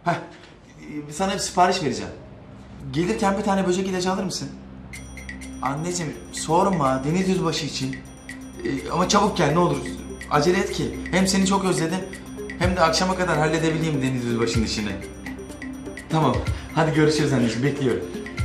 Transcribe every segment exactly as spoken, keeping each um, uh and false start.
Heh, e, sana bir sipariş vereceğim. Gelirken bir tane böcek ilacı alır mısın? Anneciğim sorma Deniz Yüzbaşı için. E, ama çabuk gel ne olur. Acele et ki. Hem seni çok özledim hem de akşama kadar halledebileyim Deniz Yüzbaşı'nın işini. Tamam. Hadi görüşürüz anneciğim. Bekliyorum.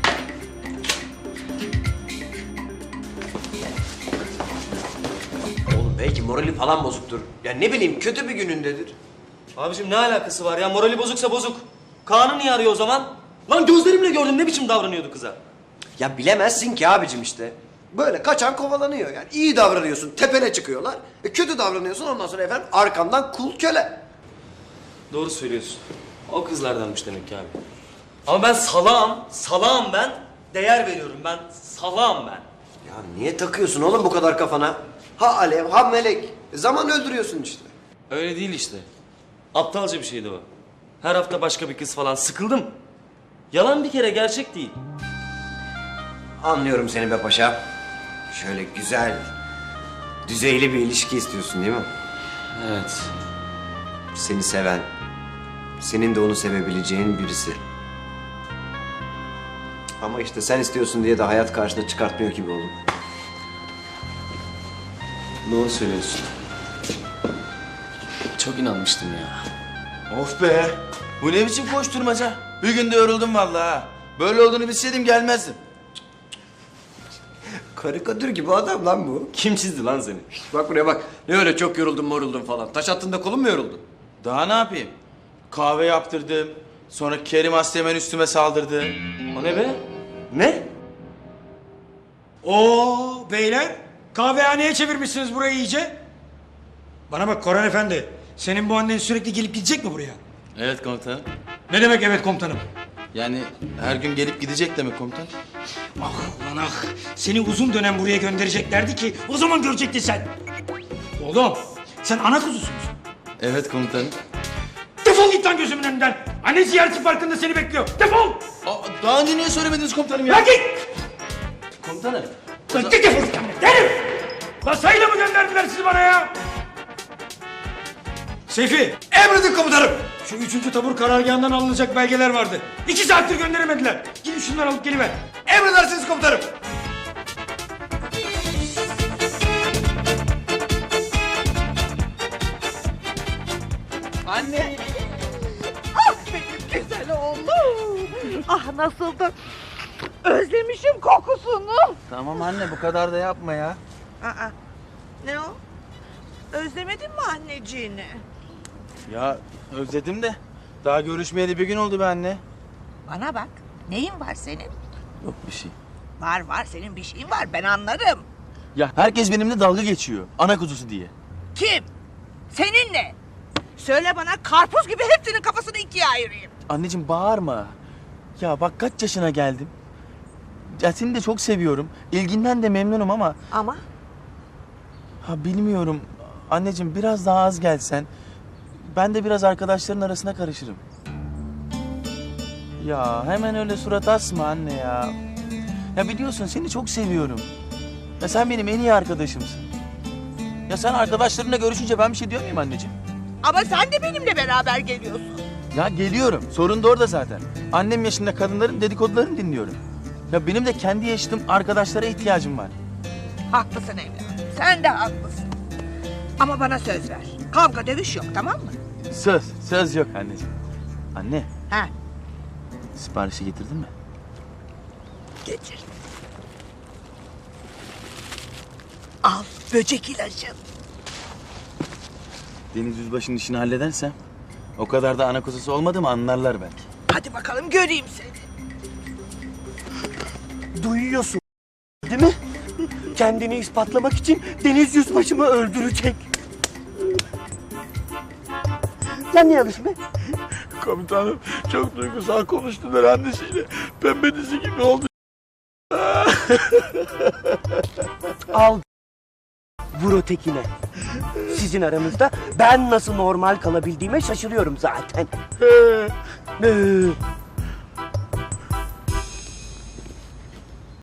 Oğlum belki morali falan bozuktur. Ya ne bileyim kötü bir günündedir. Abicim ne alakası var ya? Morali bozuksa bozuk. Kaan'ı niye arıyor o zaman? Lan gözlerimle gördüm ne biçim davranıyordu kıza. Ya bilemezsin ki abicim işte. Böyle kaçan kovalanıyor yani. İyi davranıyorsun tepene çıkıyorlar. E, kötü davranıyorsun ondan sonra efendim arkandan kul köle. Doğru söylüyorsun. O kızlardanmış demek ki abi. Ama ben salağım, salağım ben. Değer veriyorum ben, salağım ben. Ya niye takıyorsun oğlum bu kadar kafana? Ha alev ha melek. E, zaman öldürüyorsun işte. Öyle değil işte. Aptalca bir şeydi o. Her hafta başka bir kız falan. Sıkıldım. Yalan bir kere, gerçek değil. Anlıyorum seni be paşa. Şöyle güzel, düzeyli bir ilişki istiyorsun değil mi? Evet. Seni seven, senin de onu sevebileceğin birisi. Ama işte sen istiyorsun diye de hayat karşına çıkartmıyor gibi oğlum. Doğru söylüyorsun. Çok inanmıştım ya. Of be! Bu ne biçim koşturmaca? Bir günde yoruldum vallahi ha. Böyle olduğunu bilseydim gelmezdim. Karikatür gibi adam lan bu. Kim çizdi lan seni? Bak buraya bak. Ne öyle çok yoruldum moruldum falan. Taş attığında kolun mu yoruldu? Daha ne yapayım? Kahve yaptırdım. Sonra Kerim Asteğmen üstüme saldırdı. O ne be? Ne? Oo beyler, kahvehaneye çevirmişsiniz burayı iyice. Bana bak Koran Efendi, senin bu annen sürekli gelip gidecek mi buraya? Evet komutanım. Ne demek evet komutanım? Yani her gün gelip gidecek demek komutan. Ah lan ah, seni uzun dönem buraya göndereceklerdi ki o zaman görecektin sen. Oğlum, sen ana kuzusun. Evet komutanım. Defol git lan gözümün önünden. Anne ziyareti farkında seni bekliyor. Defol! Aa, daha önce niye söylemediniz komutanım ya? Lan git! Komutanım. Lan git defol git anne, derim! Lan sayıyla mı gönderdiler sizi bana ya? Seyfi, emredin komutanım. Şu üçüncü tabur karargahından alınacak belgeler vardı. İki saattir gönderemediler. Gidin şunları alıp geliver. Emredersiniz komutanım. Anne. Ah benim güzel oğlum. Ah nasıl da özlemişim kokusunu. Tamam anne bu kadar da yapma ya. Aa, ne o? Özlemedin mi anneciğini? Ya özledim de. Daha görüşmeyeli bir gün oldu be anne. Bana bak, neyin var senin? Yok bir şey. Var var, senin bir şeyin var, ben anlarım. Ya herkes benimle dalga geçiyor. Ana kuzusu diye. Kim? Seninle. Söyle bana, karpuz gibi hepsinin kafasını ikiye ayırayım. Anneciğim bağırma. Ya bak kaç yaşına geldim. Ya seni de çok seviyorum. İlginden de memnunum ama... Ama? Ha bilmiyorum. Anneciğim biraz daha az gelsen... Ben de biraz arkadaşların arasına karışırım. Ya hemen öyle surat asma anne ya. Ya biliyorsun seni çok seviyorum. Ya sen benim en iyi arkadaşımsın. Ya sen arkadaşlarınla görüşünce ben bir şey diyor muyum anneciğim? Ama sen de benimle beraber geliyorsun. Ya geliyorum. Sorun da orada zaten. Annem yaşında kadınların dedikodularını dinliyorum. Ya benim de kendi yaşadığım arkadaşlara ihtiyacım var. Haklısın evladım, sen de haklısın. Ama bana söz ver, kavga dövüş yok, tamam mı? Söz, söz yok anneciğim. Anne, Ha, siparişi getirdin mi? getir. Al böcek ilacın. Deniz Yüzbaşı'nın işini halledersem... ...o kadar da ana kuzusu olmadı mı anlarlar belki. Hadi bakalım göreyim seni. Duyuyorsun değil mi? Kendini ispatlamak için Deniz Yüzbaşımı öldürecek. Sen ne yapıyorsun be? Komutanım çok duygusal konuştular annesiyle. Pembe dizi gibi oldu. Al vur ötekine. Sizin aranızda ben nasıl normal kalabildiğime şaşırıyorum zaten. Ee,